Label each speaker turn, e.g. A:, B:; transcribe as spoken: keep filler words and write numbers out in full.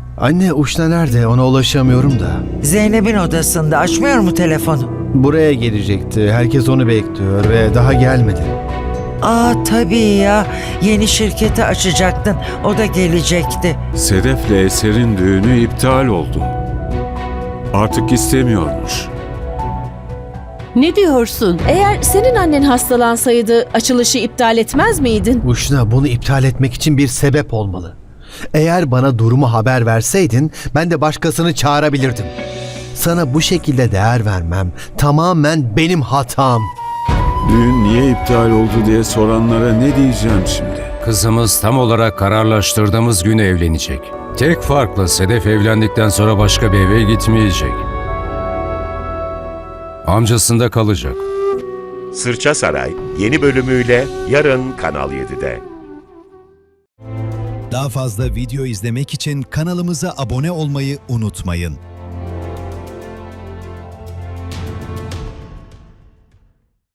A: Anne, Uşna nerede? Ona ulaşamıyorum da.
B: Zeynep'in odasında. Açmıyor mu telefonu?
A: Buraya gelecekti. Herkes onu bekliyor ve daha gelmedi.
B: Aa tabii ya. Yeni şirketi açacaktın. O da gelecekti.
C: Sedef'le Eser'in düğünü iptal oldu. Artık istemiyormuş.
D: Ne diyorsun? Eğer senin annen hastalansaydı açılışı iptal etmez miydin?
A: Uşna, bunu iptal etmek için bir sebep olmalı. Eğer bana durumu haber verseydin ben de başkasını çağırabilirdim. Sana bu şekilde değer vermem tamamen benim hatam.
C: Düğün niye iptal oldu diye soranlara ne diyeceğim şimdi?
E: Kızımız tam olarak kararlaştırdığımız gün evlenecek. Tek farkla Sedef evlendikten sonra başka bir eve gitmeyecek. Amcasında kalacak.
F: Sırça Saray yeni bölümüyle yarın Kanal yedide.
G: Daha fazla video izlemek için kanalımıza abone olmayı unutmayın.